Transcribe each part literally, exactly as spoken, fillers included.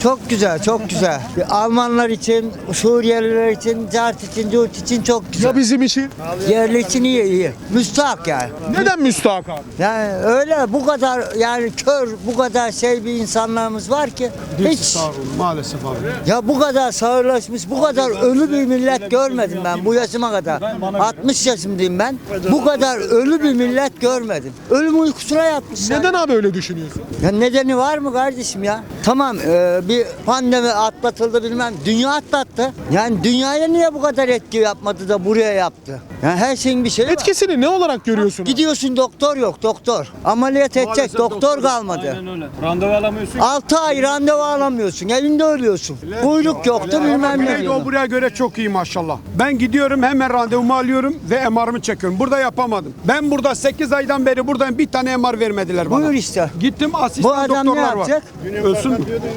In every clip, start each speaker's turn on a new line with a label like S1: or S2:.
S1: Çok güzel, çok güzel. Almanlar için, Suriyeliler için, Cart için, Curt için çok güzel.
S2: Ya bizim için?
S1: Yerli için iyi, iyi. Müstahak yani.
S2: Neden müstahak abi?
S1: Yani öyle bu kadar yani kör, bu kadar şey bir insanlarımız var ki hiç
S3: Maalesef abi.
S1: ya bu kadar sağırlaşmış, bu kadar ölü bir millet görmedim ben bu yaşıma kadar. altmış yaşındayım ben. Bu kadar ölü bir millet görmedim. Ölüm uykusuna yatmışlar.
S2: Neden abi öyle düşünüyorsun?
S1: Ya nedeni var mı kardeşim ya? Tamam e, bir pandemi atlatıldı bilmem. Dünya atlattı. Yani dünyaya niye bu kadar etki yapmadı da buraya yaptı? Yani her şeyin bir şeyi var.
S2: Etkisini ne olarak görüyorsun?
S1: Gidiyorsun doktor yok doktor. Ameliyat edecek doktor kalmadı.
S4: Aynen öyle. Randevu alamıyorsun.
S1: altı ay randevu alamıyorsun. Evinde ölüyorsun. Kuyruk yoktu bilmem ne.
S3: Güneydoğu buraya göre çok iyi maşallah. Ben gidiyorum hemen randevumu alıyorum ve M R'ımı çekiyorum. Burada yapamadım. Ben burada sekiz aydan beri buradayım, bir tane M R vermediler bana.
S1: Buyur işte.
S3: Gittim
S1: Bu
S3: asistan
S1: adam ne
S3: doktorlar var.
S1: yapacak?
S3: Ölsün mü?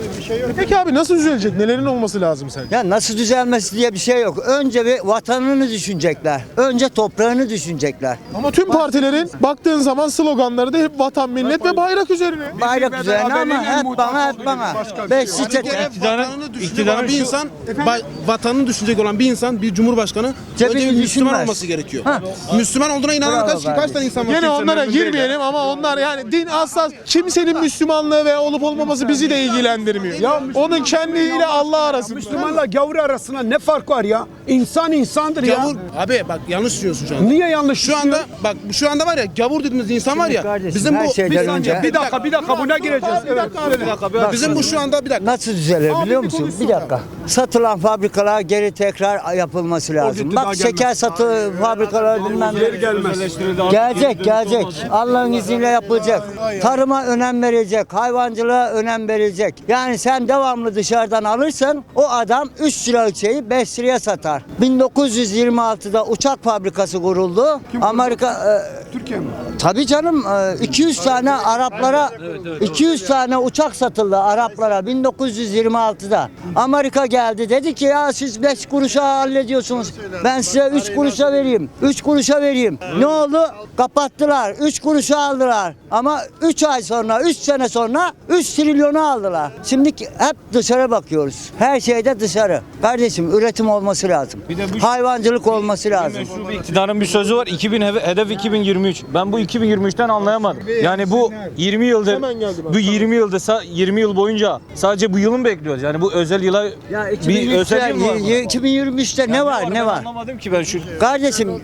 S2: Peki abi nasıl düzelecek? Nelerin olması lazım sence?
S1: Ya nasıl düzelmesi diye bir şey yok. Önce bir vatanını düşünecekler. Önce toprağını düşünecekler.
S2: Ama tüm partilerin baktığın zaman sloganları da hep vatan, millet ve bayrak üzerine.
S1: Bayrak üzerine ama hep bana hep bana. Beş çiçek.
S5: Vatanını düşünecek olan bir insan, ba- vatanını düşünecek olan bir insan, bir cumhurbaşkanı
S1: Cebini
S5: önce bir Müslüman
S1: düşünmez.
S5: olması gerekiyor.
S1: Ha.
S5: Müslüman olduğuna inanan
S1: Bravo
S5: kaç, kaç
S1: kardeşim.
S5: tane insan var?
S2: Gene
S5: Kimse
S2: onlara
S5: memnun değil
S2: girmeyelim ama onlar yani din hassas. Kimsenin Müslümanlığı ve olup olmaması bizi de ilgilendirmiyor.
S3: Ya
S2: Onun kendiyle Allah arasında.
S3: Müslümanla gavur arasında ne fark var ya? İnsan insandır ya.
S5: Gavur, abi bak yanlış düşünüyorsun şu anda.
S3: Niye yanlış
S5: Şu anda bak şu anda var ya gavur dediğimiz insan var ya.
S1: kardeşim,
S5: Bizim
S1: her
S5: bu
S1: şeyden
S5: bir
S1: önce-
S5: saniye,
S3: Bir dakika bir dakika buna gireceğiz. Evet.
S5: bir dakika. Bizim bu şu anda bir dakika.
S1: Nasıl düzelir biliyor musun? Bir dakika. Satılan fabrikalar geri tekrar yapılması lazım.
S3: gitti, daha
S1: Bak
S3: gelmez.
S1: şeker satı fabrikaları bilmem
S3: Geri gelmez.
S1: Gelecek, gelecek. Allah'ın izniyle yapılacak. Tarıma önem verecek, hayvancılığa önem verecek. Yani sen devamlı dışarıdan alırsan o adam üç liralık şeyi beş liraya satar. bin dokuz yüz yirmi altıda uçak fabrikası kuruldu. Amerika e,
S3: Türkiye mi?
S1: tabii canım e, iki yüz tane Araplara iki yüz tane uçak satıldı Araplara bin dokuz yüz yirmi altıda. Amerika geldi dedi ki ya siz beş kuruşa hallediyorsunuz. Ben size üç kuruşa vereyim. üç kuruşa vereyim. Ne oldu? Kapattılar. üç kuruşa aldılar. Ama üç ay sonra, üç sene sonra üç trilyonu aldılar. Şimdi hep dışarı bakıyoruz. Her şeyde dışarı. Kardeşim üretim olması lazım.
S4: Bir de bu-
S1: Hayvancılık olması lazım.
S4: Meşru bir iktidarın bir sözü var. iki bin heve- hedef iki bin yirmi üç. Ben bu iki bin yirmi üçten anlayamadım. Yani bu yirmi yıldır
S2: Hemen geldi bak.
S4: bu yirmi yılda sa- yirmi yıl boyunca sadece bu yılın bekliyoruz. Yani bu özel yıla
S1: Ya
S4: bir özel yıl mı var?
S1: iki bin yirmi üçte, iki bin yirmi üçte ne var ne
S4: Ben
S1: var?
S4: Anlamadım ki ben şu.
S1: Kardeşim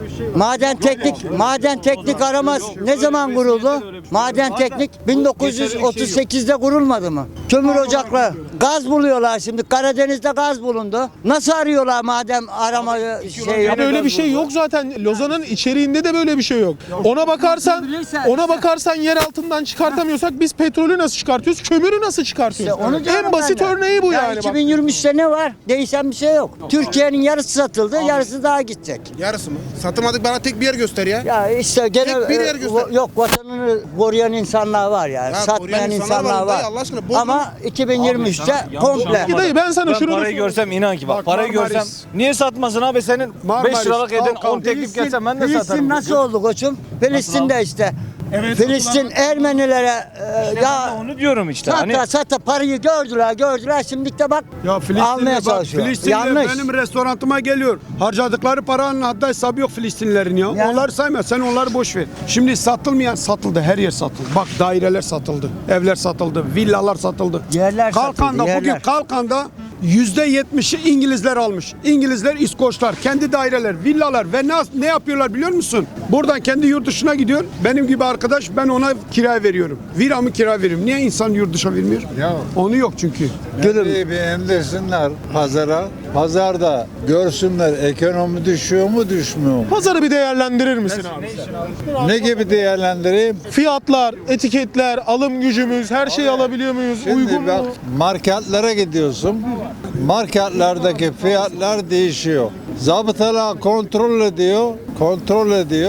S1: maden teknik maden teknik aramaz ne zaman kuruldu? Maden teknik bin dokuz yüz otuz sekizde kurulmadı mı? Kömür ocakları gaz buluyorlar şimdi Karadeniz'de gaz bulundu. Nasıl arıyorlar madem aramayı şey
S2: Yani öyle bir şey yok zaten. Lozan'ın içeriğinde de böyle bir şey yok. Ona bakarsan, ona bakarsan yer altından çıkartamıyorsak biz petrolü nasıl çıkartıyoruz? Kömürü nasıl çıkartıyoruz?
S1: İşte onu diyorum
S2: En basit
S1: ben de.
S2: örneği bu
S1: Ya
S2: yani. bak.
S1: iki bin yirmi üçte ne var? Değişen bir şey yok. Türkiye'nin yarısı satıldı, yarısı daha gidecek.
S5: Yarısı mı? Satamadık, bana tek bir yer göster ya.
S1: Ya işte gene
S5: Tek bir yer
S1: e,
S5: göster.
S1: va- yok vatanını koruyan insanlar var yani.
S5: Ya
S1: Satmayan
S5: koruyan insanlar
S1: insanlar
S5: var
S1: var.
S5: dayı, Allah aşkına bozma.
S1: Ama iki bin yirmi üçte komple.
S2: Peki dayı ben sana
S4: Ben
S2: şunu da
S4: parayı
S2: sorayım.
S4: görsem inan ki bak,
S3: Bak,
S4: parayı
S3: Marmaris.
S4: görsem niye satmasın abi senin
S3: Marmaris,
S4: beş liralık eden
S3: kalk,
S4: on teklif gelsem ben de
S1: Filistin
S4: satarım.
S1: nasıl oldu koçum? Filistin'de işte. Filistin Ermenilere e, ya
S4: Onu diyorum işte.
S1: sata
S4: Hani
S1: sata parayı gördüler gördüler şimdi de bak
S3: Ya
S1: almaya
S3: Filistin'de bak,
S1: çalışıyor.
S3: Filistin'de
S1: Yanlış.
S3: benim restorantıma geliyor. Harcadıkları paranın haddi hesabı yok Filistinlilerin ya.
S1: Yani-
S3: Onları sayma, sen onları boş ver. Şimdi satılmayan satıldı, her yer satıldı. Bak daireler satıldı, evler satıldı, villalar satıldı.
S1: Yerler
S3: Kalkan'da,
S1: satıldı, yerler.
S3: bugün Kalkan'da yüzde yetmişi İngilizler almış. İngilizler, İskoçlar, kendi daireler, villalar ve ne, ne yapıyorlar biliyor musun? Buradan kendi yurt dışına gidiyor. Benim gibi arkadaş, ben ona kira veriyorum. Viramı kira veriyorum. Niye insan yurt dışına vermiyor?
S6: Ya
S3: Onu yok çünkü.
S1: Gülüm.
S6: bir bir indirsinler pazara. Pazarda görsünler ekonomi düşüyor mu düşmüyor mu?
S2: Pazarı bir değerlendirir misin abi?
S6: Ne gibi değerlendireyim?
S2: Fiyatlar, etiketler, alım gücümüz, her şeyi alabiliyor muyuz? Uygun
S6: Şimdi bak
S2: mu?
S6: marketlere gidiyorsun. Marketlerdeki fiyatlar değişiyor. Zabıtalar kontrol ediyor, kontrol ediyor.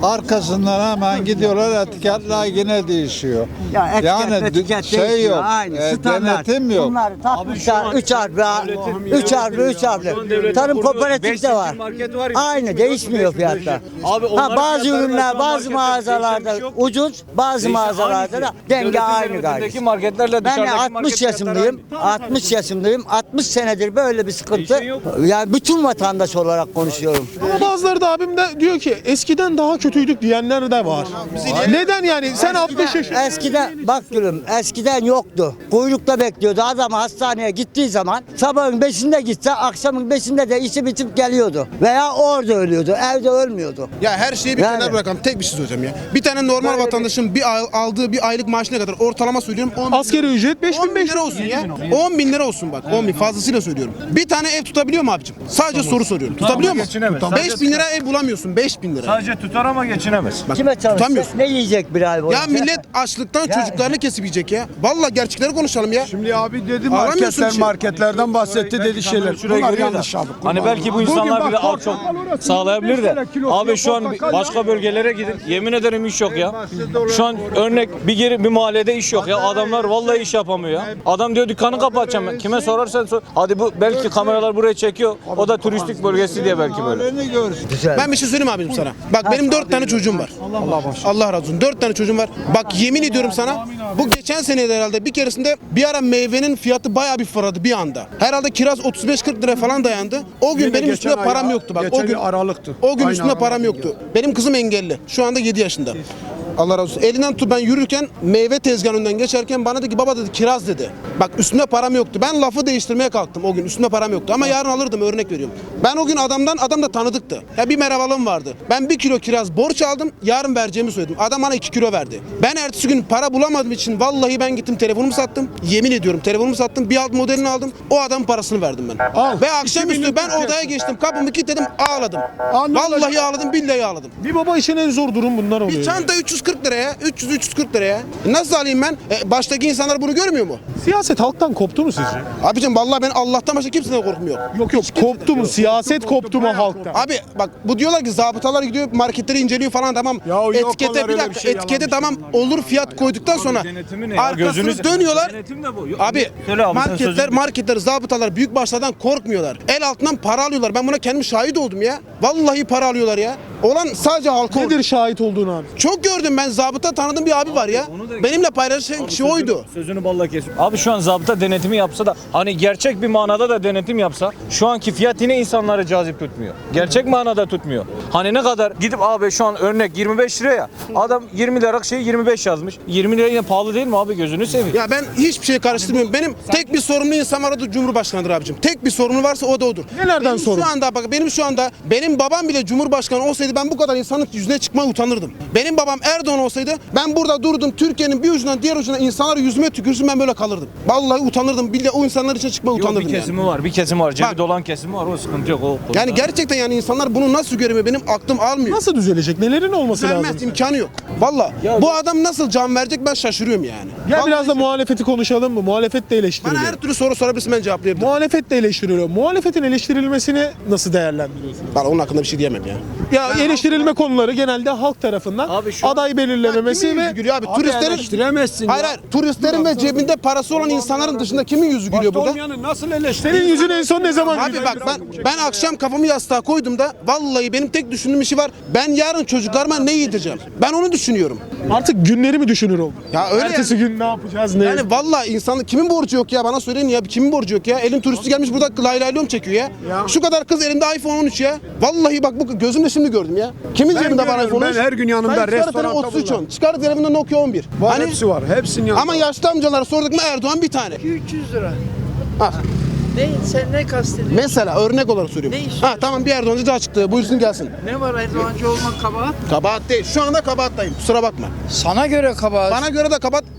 S6: arkasından hemen gidiyorlar, etiketler yine değişiyor.
S1: Ya etiket,
S6: yani
S1: etiket
S6: şey
S1: değişiyor,
S6: yok,
S1: aynı
S6: e,
S1: standart.
S6: denetim yok.
S1: Bunlar takmışlar üç harfli, üç harfli, üç harfli. Tarım kooperatif de var. Aynı değişmiyor fiyatlar.
S4: Abi
S1: Ha,
S4: onlar
S1: bazı
S4: fiyatları
S1: ürünler
S4: başka
S1: bazı
S4: marketlerde
S1: mağazalarda
S4: değişen bir şey yok.
S1: ucuz, bazı
S4: Değişen
S1: mağazalarda
S4: aynı
S1: da
S4: fiyat.
S1: denge
S4: Devletin
S1: aynı
S4: devletindeki
S1: gayet.
S4: marketlerle
S1: Ben de
S4: dışarıdaki
S1: altmış
S4: market fiyatları
S1: yaşındayım. altmış yaşındayım. altmış senedir böyle bir sıkıntı.
S4: Değişen yok.
S1: Yani bütün vatandaş olarak konuşuyorum.
S2: Ama bazıları da abim de diyor ki eskiden daha kötüydük diyenler de var. Neden yani? Sen altmış yaş.
S1: Eskiden bak gülüm eskiden yoktu. Kuyrukta bekliyordu. Adam hastaneye gittiği zaman sabahın beşinde gitse akşamın beşinde de işi bitip geliyordu. Veya orada ölüyordu. Evde ölmüyordu.
S5: Ya her şeyi bir
S1: Yani.
S5: kenara bırakalım. Tek bir şey söyleyeceğim ya. Bir tane normal vatandaşın bir ay- aldığı bir aylık maaşı ne kadar? Ortalama söylüyorum. on bin
S2: Asgari ücret beş
S5: on
S2: bin
S5: bin
S2: beş
S5: lira olsun ya. on bin lira olsun bak. on bin fazlasıyla söylüyorum. Bir tane ev tutabiliyor mu abicim? Sadece soru soruyorum. Tutabiliyor mu?
S4: geçinemez.
S5: beş bin lira ev bulamıyorsun. beş bin lira.
S4: Sadece tutar ama geçinemez.
S5: Bak,
S1: Kime çalışacak?
S5: tutamıyorsun.
S1: Ne yiyecek bir ay boyunca?
S5: Ya millet açlıktan çocuklarını kesip yiyecek ya. Vallahi gerçekleri konuşalım ya.
S3: Şimdi abi dedi
S5: Aramıyorsun
S3: marketler
S5: bir şey.
S3: marketlerden bahsetti dedi şeyler.
S4: Şuraya
S3: Bunlar
S4: geliyor da.
S3: yanlış abi.
S4: Hani belki bu insanlar bile az çok sağlayabilir de. Abi şu an bir- başka bölgelere gidin. Yemin ederim iş yok ya. Şu an örnek bir geri bir mahallede iş yok ya. Adamlar vallahi iş yapamıyor ya. Adam diyor dükkanı kapatacağım ben. Kime sorarsan sor. Hadi bu belki kameralar buraya çekiyor. O da turistik bölgesi diye belki böyle.
S6: Halini görsün.
S5: Ben bir şey söyleyeyim abicim sana. Bak benim dört tane çocuğum var. Allah Allah razı olsun. Dört tane çocuğum var. Bak yemin ediyorum sana. Bu geçen senede herhalde bir keresinde bir ara meyvenin fiyatı bayağı bir fırladı bir anda. Herhalde kiraz otuz beş kırk lira falan dayandı. O gün
S3: Yine
S5: benim
S3: geçen
S5: üstümde
S3: ay
S5: param
S3: ya,
S5: yoktu bak.
S3: geçen
S5: O gün
S3: ay Aralık'tı.
S5: O gün
S3: Aynı
S5: üstümde param
S3: Aralık'ta
S5: yoktu. Benim kızım engelli. Şu anda yedi yaşında. Allah razı olsun. Elinden tut ben yürürken meyve tezgahının önünden geçerken bana dedi ki baba dedi kiraz dedi. Bak üstümde param yoktu. Ben lafı değiştirmeye kalktım o gün. Üstümde param yoktu ama yarın alırdım örnek veriyorum. Ben o gün adamdan adam da tanıdıktı. Ya bir merhabalığım vardı. Ben bir kilo kiraz borç aldım. Yarın vereceğimi söyledim. Adam bana iki kilo verdi. Ben ertesi gün para bulamadığım için vallahi ben gittim telefonumu sattım. Yemin ediyorum telefonumu sattım. Bir alt modelini aldım. O adamın parasını verdim ben.
S3: Al.
S5: Ve akşamüstü
S3: binlik
S5: ben
S3: Türkiye.
S5: odaya geçtim. Kapımı kilitledim ağladım.
S3: Aa, ne
S5: Vallahi
S3: olacak?
S5: ağladım billahi ağladım.
S2: Bir baba için en zor durum bunlar oluyor.
S5: Bir çanta üç yüz kırk liraya, üç yüz üç yüz kırk liraya. E Nasıl alayım ben? E, baştaki insanlar bunu görmüyor mu?
S2: Siyaset halktan koptu mu sizce?
S5: Abicim vallahi ben Allah'tan başka kimseden korkmuyorum.
S2: Yok yok koptu mu? Siyaset koptu mu halktan?
S5: Abi bak bu diyorlar ki zabıtalar gidiyor marketleri inceliyor falan tamam.
S3: Ya yok
S5: etikete
S3: onlar
S5: bir
S3: öyle
S5: dakika
S3: bir şey,
S5: etikete
S3: yalan bir
S5: tamam
S3: şey
S5: olur fiyat koyduktan sonra
S4: Denetimi ne ya?
S5: arkasını
S4: Gözünüz-
S5: dönüyorlar.
S4: Denetim de bu.
S5: Abi
S4: Söyle abi, sen
S5: marketler
S4: sözünü-
S5: marketler zabıtalar büyük başlardan korkmuyorlar. El altından para alıyorlar. Ben buna kendim şahit oldum ya. Vallahi para alıyorlar ya. Olan sadece halka oldu.
S2: Nedir şahit olduğun abi?
S5: Çok gördüm ben zabıta tanıdığım bir abi var ya. Benimle paylaşan kişi oydu.
S4: Sözünü balla kesiyor. Abi şu an zabıta denetimi yapsa da hani gerçek bir manada da denetim yapsa şu anki fiyat yine insanları cazip tutmuyor. Gerçek manada tutmuyor. Hani ne kadar gidip abi şu an örnek yirmi beş liraya adam yirmi liralık şey yirmi beş yazmış. yirmi lira yine pahalı değil mi abi gözünü seveyim.
S5: Ya ben hiçbir şey karıştırmıyorum. Benim tek bir sorumlu insan var o da Cumhurbaşkanıdır abicim. Tek bir sorunu varsa o da odur.
S2: Nelerden
S5: benim
S2: sorumlu?
S5: Şu anda bak benim şu anda benim babam bile Cumhurbaşkanı olsaydı ben bu kadar insanın yüzüne çıkmaya utanırdım. Benim babam Erdoğan olsaydı ben burada durdum Türkiye'nin bir ucundan diğer ucuna insanlar yüzüme tükürsün ben böyle kalırdım. Vallahi utanırdım. Billahi o insanlar için çıkmaya
S4: Yok,
S5: utanırdım
S4: bir
S5: yani.
S4: kesimi var, bir kesimi var. Cebi
S5: Bak.
S4: dolan kesimi var. O sıkıntı yok. O konuda.
S5: Yani gerçekten yani insanlar bunu nasıl göremiyor benim aklım almıyor.
S2: Nasıl düzelecek? Nelerin olması lazım?
S5: Vermez imkanı yok. Valla bu adam nasıl can verecek ben şaşırıyorum yani.
S2: Gel
S5: Vallahi
S2: biraz da muhalefeti konuşalım mı? Muhalefet de
S5: bana
S2: eleştiriliyor.
S5: her türlü soru sorabilirsin ben cevaplayabilirim.
S2: Muhalefet de eleştiriliyor. Muhalefetin eleştirilmesini nasıl değerlendiriyorsunuz?
S5: Ben onun hakkında bir şey diyemem ya.
S2: Ya eleştirilme konuları genelde halk tarafından
S4: Abi şu-
S2: aday belirlememesi
S5: Kimin
S2: ve
S5: yüzü gülüyor abi? Turistlerin
S3: eleştiremezsin
S5: Hayır
S3: ya.
S5: hayır. Turistlerin ve cebinde parası olan insanların dışında kimin yüzü gülüyor burada?
S3: Olmayanı nasıl eleştirir?
S2: senin yüzün en son ne zaman
S5: Abi
S2: güldü?
S5: bak ben ben akşam kafamı yastığa koydum da vallahi benim tek düşündüğüm işi var. Ben yarın çocuklarıma ne yedireceğim? Ben onu düşünüyorum.
S2: Artık günleri mi düşünür oldun?
S5: Ya öyle
S2: Ertesi gün ne yapacağız ne?
S5: Yani vallahi insanlık kimin borcu yok ya bana söyleyin ya kimin borcu yok ya? Elin turisti gelmiş burada lay lay lom çekiyor ya. Şu kadar kız elimde iPhone on üç ya. Vallahi bak bu gözümle şimdi gördüm ya. Kimin
S3: Ben
S5: cebinde var
S3: görüyorum,
S5: iPhone on üç?
S3: ben her gün yanımda,
S5: Ben çıkarı
S3: restoranda
S5: telefon otuz üç
S3: bunlar.
S5: on. Çıkarı telefonda Nokia on bir.
S3: Var
S5: Hani
S3: hepsi var. Hepsinin yanında.
S5: ama yaşlı amcalara sorduk mu Erdoğan bir tane.
S7: üç yüz lira.
S5: Ha,
S7: Ne? Sen ne kastediyorsun?
S5: mesela örnek olarak söylüyorum.
S7: Ne iş
S5: Ha tamam bir Erdoğancı daha çıktı. Buyursun gelsin.
S7: Ne var Erdoğancı olmak kabahat?
S5: Kabahat değil. Şu anda kabahattayım. Kusura bakma.
S7: Sana göre kabahat.
S5: Bana göre de kabahat.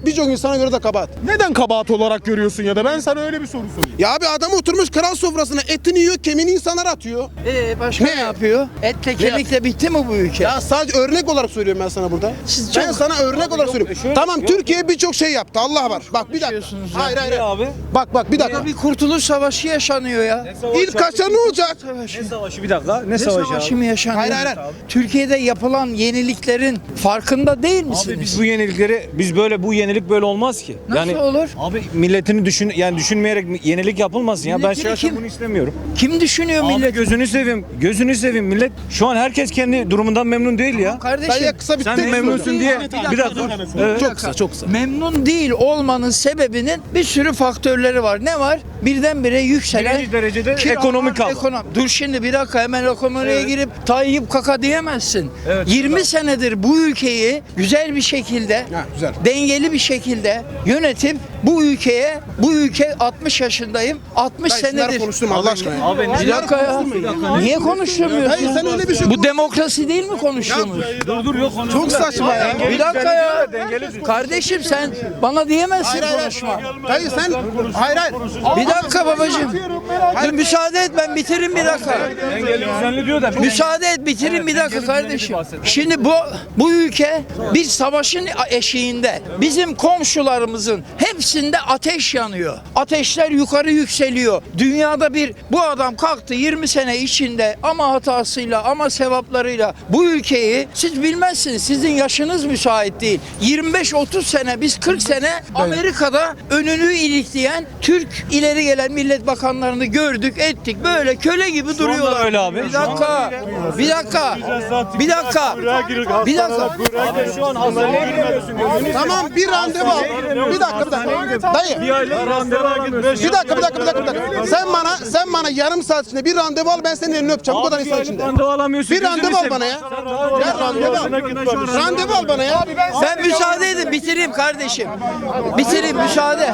S5: birçok insana göre de kabahat.
S2: Neden kabahat olarak görüyorsun ya da ben sana öyle bir soru sorayım.
S5: Ya abi adam oturmuş kral sofrasına etini yiyor, kemiğini insanlara atıyor.
S7: Ee, başka ne,
S5: Ne?
S7: yapıyor? Etle kemikle bitti mi bu ülke?
S5: Ya sadece örnek olarak söylüyorum ben sana burada.
S7: Siz
S5: ben
S7: çok-
S5: sana örnek olarak söylüyorum. Tamam Türkiye birçok şey yaptı. Allah var. Bak bir dakika.
S7: Konuşuyorsunuz ya.
S5: Hayır hayır. hayır.
S4: abi?
S5: Bak bak bir dakika.
S7: Burada bir kurtuluş savaşı yaşanıyor ya.
S5: İlk kaçta ne olacak?
S4: Ne savaşı bir dakika? Ne
S7: Ne
S4: savaşı
S7: savaşı
S4: abi?
S7: mı yaşanıyor?
S5: Hayır, hayır, hayır.
S7: Türkiye'de yapılan yeniliklerin farkında değil misiniz?
S4: Abi biz bu yenilikleri biz böyle bu yenilik böyle olmaz ki.
S7: Nasıl olur?
S4: Abi milletini düşün yani düşünmeyerek yenilik yapılmasın ya. Ben
S7: Milletini
S4: şahsen
S7: kim-
S4: bunu istemiyorum.
S7: Kim düşünüyor
S4: Abi
S7: millet?
S4: gözünü seveyim. Gözünü seveyim millet. Şu an herkes kendi durumundan memnun değil ya.
S7: Kardeşim
S5: Dayı kısa bir
S4: Sen
S5: tek
S4: memnunsun
S5: soru.
S4: diye bir dakika. Evet.
S5: Çok kısa çok kısa.
S7: memnun değil olmanın sebebinin bir sürü faktörleri var. Ne var? Birdenbire yükselen
S4: Birinci derecede
S7: kiralar,
S4: ekonomik hava.
S7: ekonom- Dur şimdi bir dakika hemen ekonomiye girip Tayyip kaka diyemezsin.
S4: Evet,
S7: yirmi senedir bu ülkeyi güzel bir şekilde,
S5: Ha, güzel.
S7: dengeli bir şekilde yönetip bu ülkeye, bu ülke altmış yaşındayım. altmış
S5: Dayı, şunları
S7: senedir.
S5: konuşturma Allah aşkına. ya.
S4: Abi
S7: Bir dakika ya. Niye konuşturmuyorsun?
S5: Hayır sen öyle bir şey.
S7: Bu demokrasi değil mi konuştuğumuz?
S4: dur dur yok.
S5: Çok saçma ya.
S7: Bir dakika ya. Kardeşim sen bana diyemezsin
S5: Hayır, hayır,
S7: konuşma.
S5: Dayı sen hayır hayır.
S7: Bir dakika babacığım. Dur müsaade et ben bitiririm bir dakika.
S4: Dengeli düzenli diyor da.
S7: Müsaade et bitireyim bir dakika kardeşim. Şimdi bu bu ülke bir savaşın eşiğinde. Bizim komşularımızın hepsinde ateş yanıyor. Ateşler yukarı yükseliyor. Dünyada bir bu adam kalktı yirmi sene içinde ama hatasıyla ama sevaplarıyla bu ülkeyi siz bilmezsiniz. Sizin yaşınız müsait değil. yirmi beş otuz sene biz kırk sene Amerika'da önünü ilikleyen Türk ileri gelen millet bakanlarını gördük ettik. Böyle köle gibi duruyorlar.
S4: öyle abi.
S7: Bir dakika. Bir dakika. Bir dakika. Bir dakika.
S4: Abi şu an hastaneye gidemiyorsun.
S5: Tamam bir randevu al. Bir dakika bir dakika. Dayı.
S4: Bir aylık randevu alamıyorsun.
S5: Bir dakika bir dakika bir dakika. Bir dakika. Sen bana sen bana yarım saat içinde bir randevu al ben senin elini öpeceğim. Bu kadar
S4: Bir
S5: insan
S4: aylık
S5: içinde.
S4: randevu alamıyorsun.
S5: Bir
S4: gözünü
S5: randevu al
S4: seveyim.
S5: bana ya. Ya randevu al. Randevu al bana ya.
S7: Sen müsaade edin bitireyim kardeşim. Bitireyim müsaade.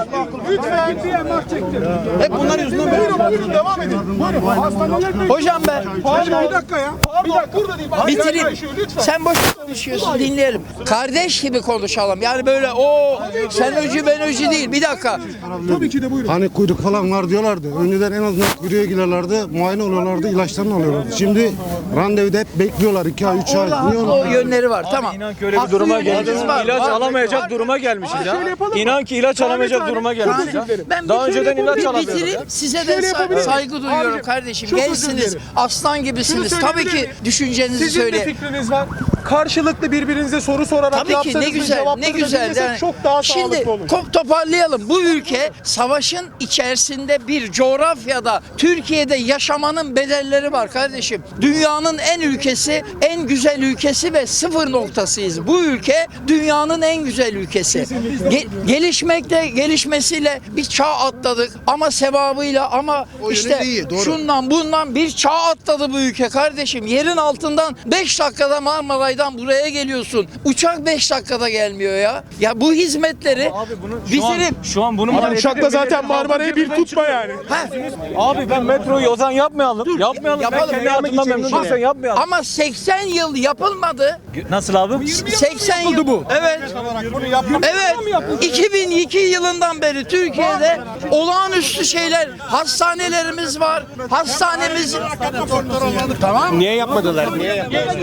S5: Hep bunlar yüzünden böyle.
S3: Devam edin. Buyurun. Hastaneler
S7: Hocam ben
S3: Bir dakika ya. Bir dakika. Burada değil.
S7: bitireyim. Sen boş konuşuyorsun dinleyelim. Kardeş gibi konuşalım. Yani böyle o sen öcü ben öcü değil. Bir dakika.
S3: Tabii ki de buyurun.
S8: Hani kuyruk falan var diyorlardı. Önceden en azından kuyruğa girerlerdi, muayene oluyorlardı, ilaçlarını alıyorlardı. Şimdi randevuda hep bekliyorlar iki ay, üç ay.
S7: Orada
S8: Niye
S7: haklı
S8: onu?
S7: o yönleri var. Tamam.
S4: İnan ki öyle bir
S7: Haklı
S4: duruma
S7: yönleriniz
S4: geleceğiz.
S7: var,
S4: İlaç
S7: var.
S4: alamayacak duruma gelmişiz ya. İnan ki ilaç alamayacak duruma gelmişiz ya.
S7: Ben
S4: Daha
S7: bir-
S4: önceden ilaç
S7: bir
S4: alamıyorduk.
S7: bitireyim. Size de sa- saygı duyuyorum kardeşim.
S3: çok özür
S7: Gençsiniz.
S3: dilerim.
S7: Aslan gibisiniz.
S3: Şunu
S7: Tabii
S3: söyleyebilir
S7: ki
S3: miyim?
S7: düşüncenizi
S2: Sizin de
S7: söyleyin.
S2: fikriniz var. Karşılıklı birbirinize soru sorarak
S7: Tabii ki
S2: yapsanız
S7: ne
S2: ve
S7: güzel, ne
S2: cevaplarını
S7: güzel.
S2: dinlesek
S7: Yani
S2: çok daha
S7: şimdi
S2: sağlıklı olur.
S7: ko- toparlayalım. Bu ülke savaşın içerisinde bir coğrafyada Türkiye'de yaşamanın bedelleri var kardeşim. Dünyanın en ülkesi, en güzel ülkesi ve sıfır noktasıyız. Bu ülke dünyanın en güzel ülkesi. Ge- gelişmekle, gelişmesiyle bir çağ atladık ama sevabıyla ama
S5: O
S7: işte
S5: yönü de iyi, doğru.
S7: şundan bundan bir çağ atladı bu ülke kardeşim. Yerin altından beş dakikada Marmaray'dan buraya geliyorsun. Uçak beş dakikada gelmiyor ya. Ya bu hizmetleri
S4: Abi bunu şu an,
S7: bitirin.
S4: şu an bunu
S2: Abi
S4: maliyeti
S2: uçakla
S4: de
S2: zaten
S4: milletin
S2: Marmara'yı bir
S4: altından
S2: tutma yani.
S7: Ha,
S4: Abi ben metroyu o zaman yapmayalım. yapmayalım.
S7: yapalım.
S4: Ben kendi hayatımdan memnun değilsen yapmayalım.
S7: ama seksen yıl yapılmadı.
S4: Nasıl abi?
S7: seksen yıl. Bu. Evet. Evet. iki bin iki yılından beri Türkiye'de olağanüstü şeyler, hastanelerimiz var. Hastanemiz Tamam.
S9: Niye yapmadılar? Niye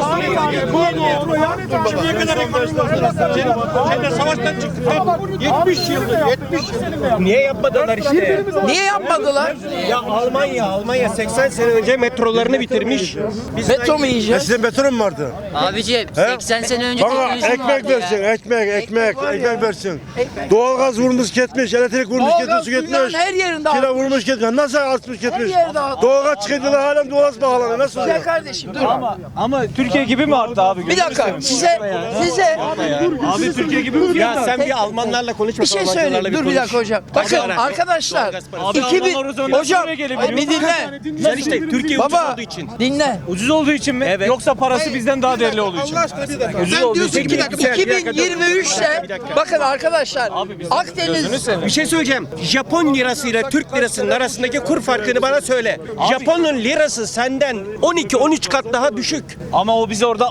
S9: yetmiş yıldır, yetmiş yıldır. Niye yapmadılar işte?
S7: Niye yapmadılar?
S9: Ya Almanya, Almanya seksen sene önce metrolarını bitirmiş. Biz
S7: Metro mu yiyeceğiz?
S8: Sizin beton mu vardı?
S10: Abiciğim seksen sene önce
S8: Bana
S10: teknoloji mi vardı
S8: ekmek versin,
S10: ya?
S8: ekmek, ekmek,
S7: var ya.
S8: ekmek versin. Doğalgaz vurmuş gitmiş, elektrik vurmuş gitmiş,
S7: Doğalgaz
S8: su
S7: dünyanın
S8: gitmiş.
S7: her yerinde
S8: Kira
S7: artmış.
S8: vurmuş gitmiş. Nasıl artmış gitmiş?
S7: yerde artmış.
S8: Doğalgaz çıkıntılar halen doğalgaz pahalanıyor. Nasıl
S7: Güzel
S8: oluyor?
S7: kardeşim dur.
S4: Ama ama Türkiye gibi mi arttı abi?
S7: Bir dakika size size
S4: Abi Türkiye gibi mi?
S9: ya sen bir Almanlarla konuş
S7: bir şey söyleyeyim. Dur bir dakika hocam. Bakın arkadaşlar
S4: Abi
S7: iki bin
S4: Almanlar o zaman
S7: hocam
S4: buraya gelebiliyor.
S7: bir dinle.
S9: Sen işte Türkiye ucuz
S7: Baba
S9: olduğu için.
S7: dinle.
S4: Ucuz olduğu için mi?
S9: Evet.
S4: Yoksa parası bizden daha değerli olduğu için mi?
S5: Allah aşkına bir dakika.
S4: Ucuz
S5: Sen
S4: olduğu
S5: diyorsun
S4: için
S5: ki
S4: mi?
S5: bir dakika.
S7: iki bin yirmi üçte bakın arkadaşlar Akdeniz
S9: Bir şey söyleyeceğim. Japon lirası ile Türk lirasının arasındaki kur farkını bana söyle. Japon'un lirası senden on iki on üç kat daha düşük.
S4: Ama o bize orada oradan da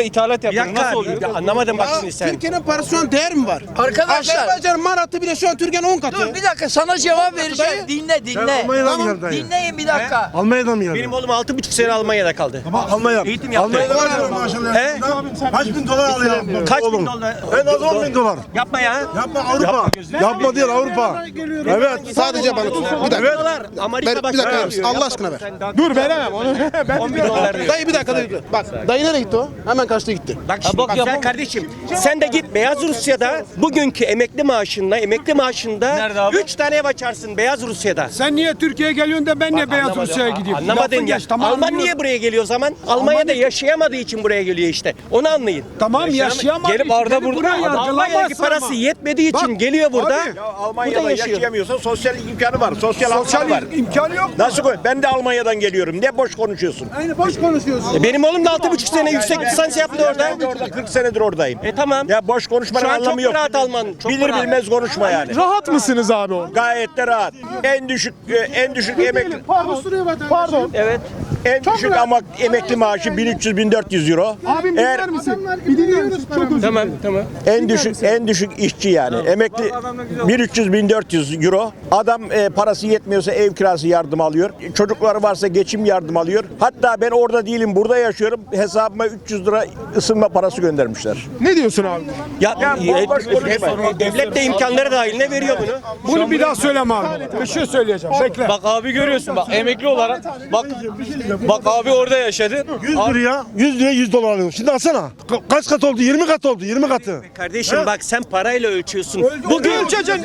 S9: ithalat yapıyoruz.
S7: dakika,
S9: Nasıl oluyor?
S7: bir dakika.
S9: Anlamadım bak
S5: Aa,
S9: şimdi sen.
S5: Türkiye'nin parası şu an değer mi var?
S7: Arkadaşlar
S5: Azerbaycan maratı bile şu an Türkiye'nin on katı.
S7: dur bir dakika sana cevap vereceğim. Dinle dinle.
S8: Almanya'dan mı geldin?
S7: Dinleyin bir dakika.
S8: Almanya'dan mı geldin?
S9: Benim oğlum altı buçuk sene Almanya'da kaldı.
S8: Almanya.
S9: Eğitim yaptı. He?
S8: Kaç bin dolar alıyor?
S9: Kaç bin dolar?
S8: En az on bin dolar.
S9: Yapma ya.
S8: Yapma Avrupa. Yapma değil Avrupa. Evet.
S5: Sadece bana tut. Bir dakika.
S9: Dolar. Amerika
S5: Ver, bir
S9: başkanı
S5: dakika ver.
S9: yapıyor.
S5: Allah aşkına ver.
S2: Dur veremem onu. Ben
S9: on bin dolar diyor.
S5: Dayı bir dakika dayı. Bak dayı nereye gitti o? Hemen kaçta gitti.
S9: Bak şimdi bak, sen kardeşim sen de git Beyaz Rusya'da bugünkü emekli maaşınla emekli maaşında üç tane ev açarsın Beyaz Rusya'da.
S3: Sen niye Türkiye'ye geliyorsun da ben niye Beyaz Rusya'ya gidiyorum?
S9: Anlamadın
S3: Lafın
S9: ya.
S3: geç, tamam,
S9: Alman
S3: anlıyorum.
S9: niye buraya geliyor o zaman? Almanya'da yaşayamadığı için buraya geliyor işte. Onu anlayın.
S3: Tamam yaşayamadı.
S9: Gelip Arda burada Almanya'daki
S3: yargılamazsın
S9: parası
S3: ama.
S9: yetmediği için
S3: Bak,
S9: geliyor burada.
S3: abi,
S9: Burada yaşıyor.
S11: yaşayamıyorsan sosyal imkanı var. Sosyal hakları
S3: Sosyal
S11: var.
S3: imkanı yok.
S11: Nasıl koy? Ben de Almanya'dan geliyorum. Ne boş konuşuyorsun?
S3: Aynı boş konuşuyorsun.
S9: E benim oğlum da altı buçuk sene yüksek lisans yaptı orada.
S11: Ben de orada kırk senedir oradayım.
S9: E tamam.
S11: Ya boş konuşmanın
S9: Şu an çok
S11: anlamı yok.
S9: rahat Alman. Çok
S11: Bilir
S9: rahat.
S11: bilmez konuşma yani.
S2: rahat mısınız abi o?
S11: Gayet de rahat. En düşük e, en düşük emekli
S2: Pardon.
S9: Evet.
S11: en düşük ama emekli maaşı bin üç yüz bin dört yüz euro.
S2: Abim
S11: Eğer
S2: dinler misin? Bir dinliyoruz. Çok özür
S9: Tamam tamam.
S11: en düşük en düşük işçi yani. Emekli bin üç yüz bin dört yüz euro. Adam e, parası yetmiyorsa ev kirası yardım alıyor. Çocukları varsa geçim yardım alıyor. Hatta ben orada değilim, burada yaşıyorum. Hesabıma üç yüz lira ısınma parası göndermişler.
S2: Ne diyorsun abi?
S9: Ya,
S11: Ya
S9: e,
S11: boş konuşma.
S9: e, devlet de imkanları dahiline veriyor bunu.
S3: Bunu bir daha söyleme abi. Bir şey söyleyeceğim. Bekle.
S4: Bak abi görüyorsun bak emekli olarak bak bak abi orada yaşadı.
S8: yüz liraya yüz liraya yüz dolar alıyor. Şimdi alsana. Ka- kaç kat oldu? yirmi kat oldu. yirmi katı.
S9: Kardeşim bak sen parayla ölçüyorsun. Bugün ölçeceksin.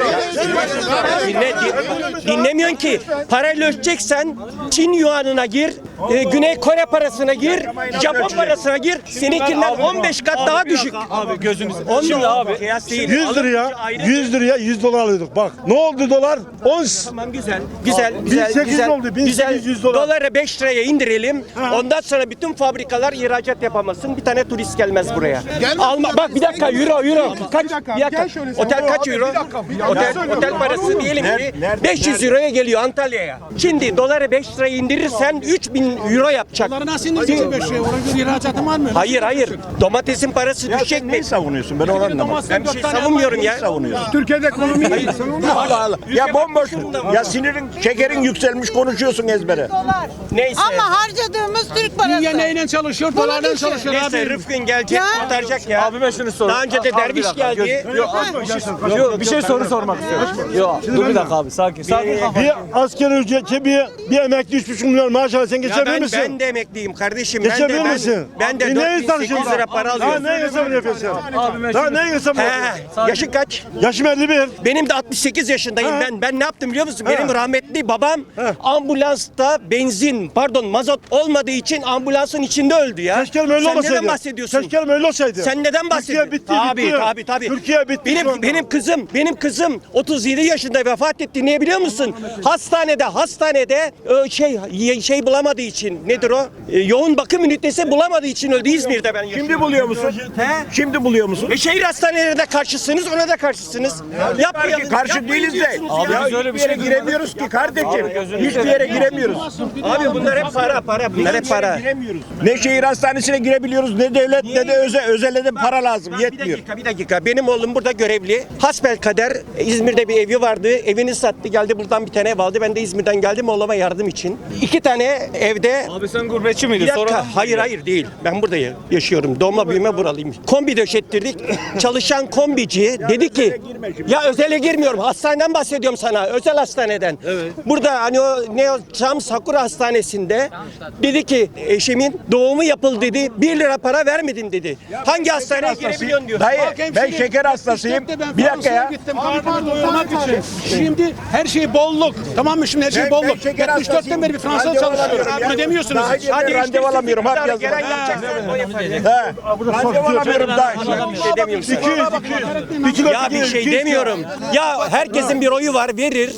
S9: Dinle, din- dinlemiyorsun ki. Parayla ölçeceksen Çin yuanına gir, e, Güney Kore parasına gir, Japon parasına gir. Seninkinden on beş kat daha düşük.
S4: Abi gözünüz.
S9: On
S4: Şimdi
S9: lira
S4: abi
S9: kıyas değil.
S8: yüz liraya
S9: Ayrı-
S8: yüz liraya yüz dolar alıyorduk. Bak ne oldu dolar? on
S9: Tamam güzel, güzel, güzel,
S8: bin sekiz yüz
S9: güzel.
S8: oldu, bin
S9: güzel.
S8: sekiz yüz dolar.
S9: Doları beş liraya indirelim. Ondan sonra bütün fabrikalar ihracat yapamazsın. Bir tane turist gelmez buraya. Alma, bak bir dakika euro, euro. Kaç? Bir dakika.
S2: gel şöyle sen.
S9: Otel kaç
S2: Abi,
S9: euro?
S2: bir dakika, bir dakika.
S9: Otel,
S2: Söyle,
S9: otel
S2: dur,
S9: parası
S2: dur.
S9: diyelim ki
S11: Nerede?
S9: beş yüz euroya geliyor Antalya'ya. Şimdi doları beş liraya indirirsen üç bin euro yapacak.
S5: Nasıl indireceksin beş liraya? Ona göre ihracatın var mı?
S9: Hayır hayır. Domatesin parası düşecek mi?
S11: Neyi savunuyorsun? Ben onu anlamadım.
S9: Ben bir şey savunmuyorum ya.
S11: Savunuyorsun.
S3: Türkiye'de ekonomi iyi. Sen onu
S11: Allah Allah. Ya bomboş. Ya sinirin, şekerin yükselmiş konuşuyorsun ezbere.
S9: Neyse.
S12: Ama harcadığımız Türk parası.
S5: Dünya neyle çalışıyor? Dolarla çalışıyor
S9: Neyse
S5: abi.
S9: Rıfkın gelecek
S12: Ya.
S9: kurtaracak ya.
S4: Abime şunu sor.
S9: Daha önce de
S4: Abi, bir
S9: derviş
S4: dakika,
S9: geldi.
S4: göz- Yok, yok, bir şey soru sormak istiyorum. Yok, dur bir dakika abi, sakin, sakin.
S8: Bir asker ücreti bir, bir emekli üç buçuk milyon maaş alıyor. Sen
S9: Ya
S8: geçebilir
S9: ben,
S8: misin?
S9: ben de emekliyim kardeşim. Ben de
S8: Geçebilir
S9: ben,
S8: misin?
S9: ben de
S8: E,
S9: dört
S8: neyi
S9: bin sekiz yüz
S8: tartışıyorsun?
S9: lira para
S8: Daha
S9: alıyorum.
S8: ne hesabını yapıyorsun?
S4: Abime
S8: Daha
S4: şunu-
S8: ne hesabını yapıyorsun?
S9: He, yaşın kaç?
S8: Yaşım elli bir.
S9: Benim de altmış sekiz yaşındayım.
S8: He.
S9: Ben ben ne yaptım biliyor musun? Benim rahmetli babam ambulansta benzin, pardon mazot olmadığı için ambulansın içinde öldü ya.
S8: Keşke öyle
S9: Sen
S8: olmasaydı.
S9: neden bahsediyorsun?
S8: Keşke öyle olsaydı.
S9: Sen neden bahsediyorsun?
S8: Türkiye bitti,
S9: Tabii
S8: bitti.
S9: tabii tabii.
S8: Türkiye bitti şu
S9: Benim
S8: anda.
S9: benim kızım, benim kızım otuz yedi yaşında vefat etti. Niye biliyor musun? Hastanede, hastanede e, şey şey bulamadığı için nedir o? E, yoğun bakım ünitesi bulamadığı için öldü İzmir'de ben yaşıyorum.
S11: Şimdi buluyor musun?
S9: He?
S11: Şimdi buluyor musun?
S9: E şehir hastanelerine de karşısınız, ona da karşısınız. Yapmayalım.
S11: Karşı
S9: yapmayın
S11: değiliz de.
S9: diyorsunuz
S11: Abi
S9: ya.
S11: biz öyle bir yere giremiyoruz ki kardeşim. Hiçbir yere giremiyoruz.
S9: Abi bunlar hep para, para. Bunlar hep para.
S11: Giremiyoruz. Ne şehir hastanesine girebiliyoruz, ne devlet, ne de özel, özele de para lazım.
S9: Bir
S11: Yetmiyor.
S9: dakika, bir dakika. Benim oğlum burada görevli. Hasbelkader İzmir'de bir evi vardı. Evini sattı, geldi buradan bir tane ev aldı. Ben de İzmir'den geldim oğluma yardım için. İki tane evde.
S4: Abi sen gurbetçi miydin?
S9: Bir dakika.
S4: Sonra...
S9: Hayır hayır değil. Ben burada yaşıyorum. Doğma büyüme buralıyım. Kombi döşettirdik. Çalışan kombici dedi ki ya özele girmiyorum. Hastaneden bahsediyorum sana. Özel hastaneden. Evet. Burada hani o ne o Çam Sakura Hastanesi'nde dedi ki eşimin doğumu yapıldı dedi. Bir lira para vermedim dedi. Hangi hastaneye girebiliyorsun diyor.
S11: Dayı ben şeker hastasıyım. Bir dakika ya.
S5: Gittim karnımı doyurmak için. Şimdi her şey bolluk. Tamam mı? Şimdi her şey
S11: Ben-
S5: bolluk.
S11: ben şeker
S5: yetmiş dörtten beri bir Fransa
S11: Randevu
S5: çalışıyorum.
S11: alamıyorum ya.
S5: Bunu demiyorsunuz.
S11: Daha
S5: hiç.
S11: yeni
S9: Hadi
S11: randevu alamıyorum. Hap yazdım.
S9: Gelen yapacaksın. O yapacak.
S11: He. Randevu alamıyorum daha.
S9: Bir şey demiyorsun.
S8: iki yüz, iki yüz.
S9: Ya bir şey demiyorum. Ya herkesin bir oyu var verir.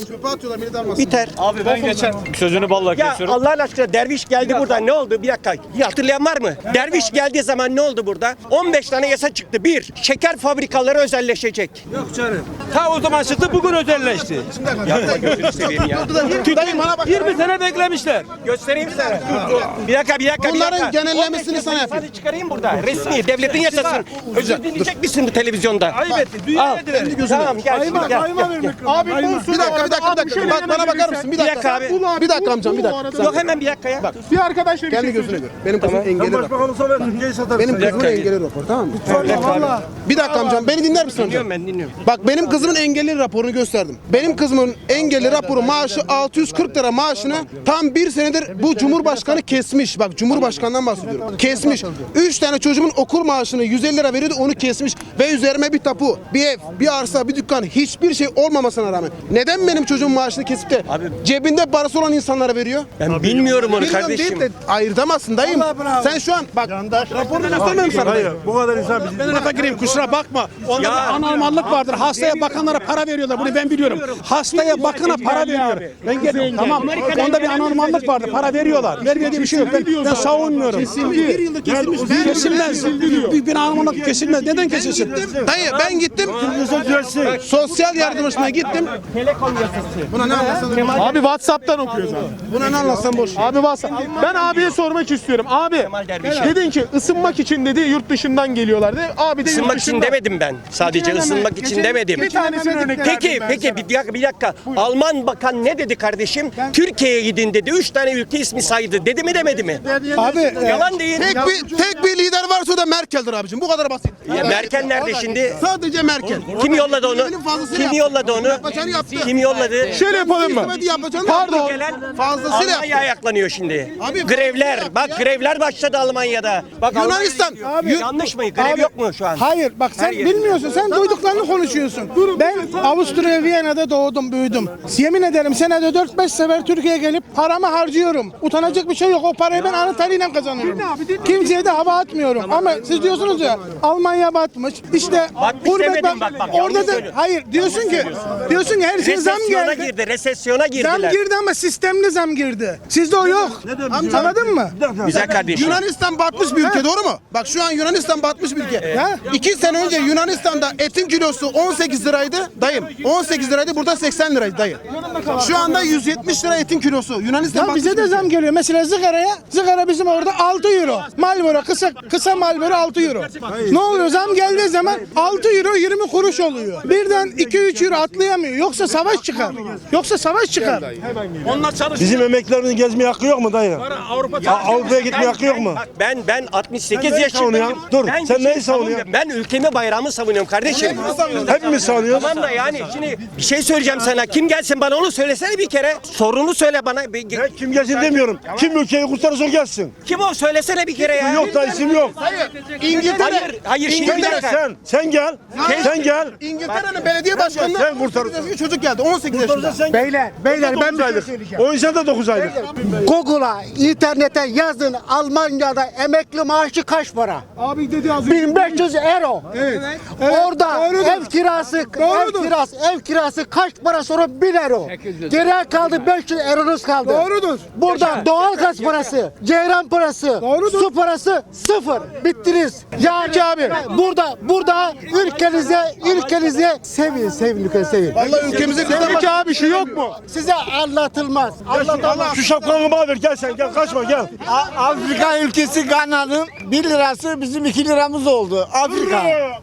S9: Biter.
S4: Abi ben geçen sözünü balla
S9: Ya
S4: kesiyorum.
S9: Allah'ın aşkına derviş geldi burada ne oldu? Bir dakika. Ya hatırlayan var mı? Derviş geldiği zaman ne oldu burada? on beş tane yasa çıktı. Bir, şeker fabrikaları özelleşecek. Ta o zaman çıktı bugün özelleşti. Yapma gözünü seveyim ya.
S5: Dayı bana bak.
S9: yirmi sene beklemişler. Göstereyim Bir dakika bir dakika. bir
S5: Bunların
S9: dakika.
S5: genellemesini sana yapayım.
S9: Sayfanı çıkarayım burada. Resmi devletin yasasını. Özür dileyecek misin bu televizyonda? Ayıp etti. Dünya
S5: Kendi gözüne.
S9: Tamam gel şimdi gel.
S2: Abi
S5: Bir dakika bir dakika bir dakika. Bak bana bakar mısın? Bir dakika.
S9: dakika abi.
S5: Bir dakika amcam bir dakika.
S9: Yok hemen bir dakika ya.
S5: Bak.
S2: bir arkadaşla bir
S5: Kendi
S2: şey
S5: gözüne gör. Benim kızım engelli rapor. Benim kızımın engelli rapor, tamam mı? Bir dakika amcam, beni dinler misin amcam?
S9: Dinliyorum ben dinliyorum.
S5: Bak benim kızımın engelli raporunu gösterdim. Benim kızımın engelli raporu maaşı altı yüz kırk lira maaşını tam bir senedir bu Cumhurbaşkanı kesmiş. Bak Cumhurbaşkanından bahsediyorum. Kesmiş. Üç tane çocuğumun okul maaşını yüz elli lira veriyordu, onu kesmiş. Ve üzerime bir tapu, bir ev, bir arsa, bir dükkan, hiçbir şey olmamasına rağmen neden benim çocuğumun maaşını kesip de cebinde parası olan insanlara veriyor?
S9: Ben bilmiyorum onu
S5: Bilmiyorum
S9: kardeşim.
S5: deyip de ayırtamazsın dayım. Sen şu an bak raporunu göstermiyorum sana. Hayır.
S6: Bu kadar insan bizi...
S13: Ben lafa gireyim kusura bakma. Onda
S9: Ya.
S13: bir anormallık vardır. Hastaya bakanlara para veriyorlar. Bunu ben biliyorum. Hastaya bakana para veriyor. Ben geliyorum. Tamam. Onda bir anormallık vardır. Para veriyorlar. Vermiyor diye bir şey yok. Ben, ben savunmuyorum.
S5: Bir yılda kesilmiş. Ben
S13: Kesilmez. Bir, bir anormallık kesilmez. Neden kesilsin?
S5: Dayı ben gittim. Sosyal yardımcısına gittim. Buna ne anlatsan?
S2: Abi WhatsApp'tan okuyoruz abi.
S5: Buna ne anlatsan boş.
S2: Abi WhatsApp. Ben abiye sormak istiyorum. Abi dedin ki ısınmak için dedi yurt dışından geliyorlar dedi. Abi de yurt
S9: Isınmak için
S2: dışından.
S9: demedim ben. Sadece ısınmak için demedim.
S2: Bir tanesini örnek
S9: Peki
S2: verdim ben
S9: peki
S2: sana.
S9: bir dakika bir dakika. Alman bakan ne dedi kardeşim? Türkiye'ye gidin dedi. Üç tane ülke ismi saydı. Dedi mi demedi mi?
S5: Abi
S9: Yalan değil.
S5: tek bir tek bir lider varsa o da Merkel'dir abicim. Bu kadar basit.
S9: Ya Merkel nerede şimdi?
S5: Sadece Merkel.
S9: Kim yolladı onu?
S5: Elimin fazlasını
S9: Kim
S5: yaptı.
S9: yolladı onu?
S5: Yapacağını yaptı.
S9: Kim yolladı?
S2: Şöyle yapalım mı?
S5: Hizmeti yapacağını
S2: Pardon.
S5: yaptı.
S9: Gelen
S5: Fazlasıyla
S9: Almanya ayaklanıyor şimdi.
S5: Abi-
S9: grevler. Bak grevler başladı Almanya'da. Bak
S5: Yunanistan.
S9: Almanya- yanlış mı? Grev yok mu şu an?
S13: Hayır bak sen
S9: Her yer.
S13: bilmiyorsun. Sen duyduklarını konuşuyorsun. Ben Avusturya Viyana'da doğdum büyüdüm. Yemin ederim senede dört beş sefer Türkiye'ye gelip paramı harcıyorum. Utanacak bir şey yok. O parayı ben alın teriyle kazanıyorum. Kimseye de hava atmıyorum. Ama siz diyorsunuz ya Almanya batmış. İşte
S9: Batmış
S13: gurbet
S9: demedim bak, bak, yanlış
S13: orada da
S9: söylüyorsun.
S13: hayır diyorsun ki diyorsun ki her şey zam
S9: Resesyona
S13: geldi.
S9: girdi. Resesyona
S13: Zam
S9: girdiler.
S13: girdi ama sistemli zam girdi. Sizde o yok. Anladın mı?
S9: Güzel kardeşim.
S5: Yunanistan batmış bir ülke, doğru mu? Bak şu an Yunanistan batmış bir ülke.
S13: Ha?
S5: İki sene önce Yunanistan'da etin kilosu on sekiz liraydı dayım. on sekiz liraydı, burada seksen liraydı dayı. Şu anda yüz yetmiş lira etin kilosu. Yunanistan
S13: Ya
S5: batmış
S13: bize
S5: bir
S13: de
S5: ülke.
S13: zam geliyor. Mesela zıgaraya, zıgara bizim orada altı euro. Marlboro kısa kısa Marlboro altı euro. Ne oluyor? Zam geldiği zaman altı euro yirmi kuruş oluyor. Birden iki üç euro atlayamıyor. Yoksa savaş çıkar. Yoksa savaş çıkar.
S6: Bizim emeklilerimizin gezmeye hakkı yok mu dayı? Avrupa'ya gitmeye hakkı yok mu?
S9: Bak ben ben altmış sekiz
S6: Sen neyi
S9: yaşındayım.
S6: savunuyorsun? Dur,
S9: Ben
S6: sen
S9: bir şey
S6: neyi savunuyorsun?
S9: savunmuyorum. Ben ülkemi, bayrağımı savunuyorum kardeşim.
S6: Hepimiz savunuyoruz.
S9: Tamam da yani şimdi bir şey söyleyeceğim sana. Kim gelsin bana onu söylesene bir kere. Sorunu söyle bana. Bir-
S6: Ben kim gelsin demiyorum. Kim ülkeyi kurtarırsa o gelsin.
S9: Kim o söylesene bir kere ya.
S6: Yok da isim yok.
S5: İngiltere.
S9: Hayır, hayır şimdi bir
S6: Sen,
S9: dakika.
S6: sen, sen gel. Sen gel.
S5: İngiltere'nin belediye başkanına
S6: Sen kurtarırsın.
S5: bir çocuk geldi on sekiz yaşında.
S13: Beyler, beyler ben bir şey
S6: aylık. O insan da dokuz aylık.
S13: Google'a, internete yazın Almanya'da emekli maaşı kaç para?
S2: Abi dedi az önce.
S13: bin beş yüz euro.
S2: Evet. Evet,
S13: Orada
S2: doğrudur.
S13: ev kirası, ev
S2: Doğrudur.
S13: kirası, ev kirası kaç para sonra bin euro. Geriye kaldı beş yüz euronuz kaldı.
S2: Doğrudur.
S13: Burada doğal gaz parası, ceyran parası,
S2: Doğrudur.
S13: su parası sıfır. Bittiniz. Yani abi burada burada ülkenize ülkenize sevin, sevin ülkenize sevin.
S5: Vallahi ülkemize
S2: Peki abi şu yok mu?
S13: Size anlatılmaz. Anlatılmaz.
S6: Şu şapkanı bana ver. Gel sen gel. Kaçma gel.
S13: Afrika ülkesi Gana'nın bir lirası bizim iki liramız oldu. Afrika.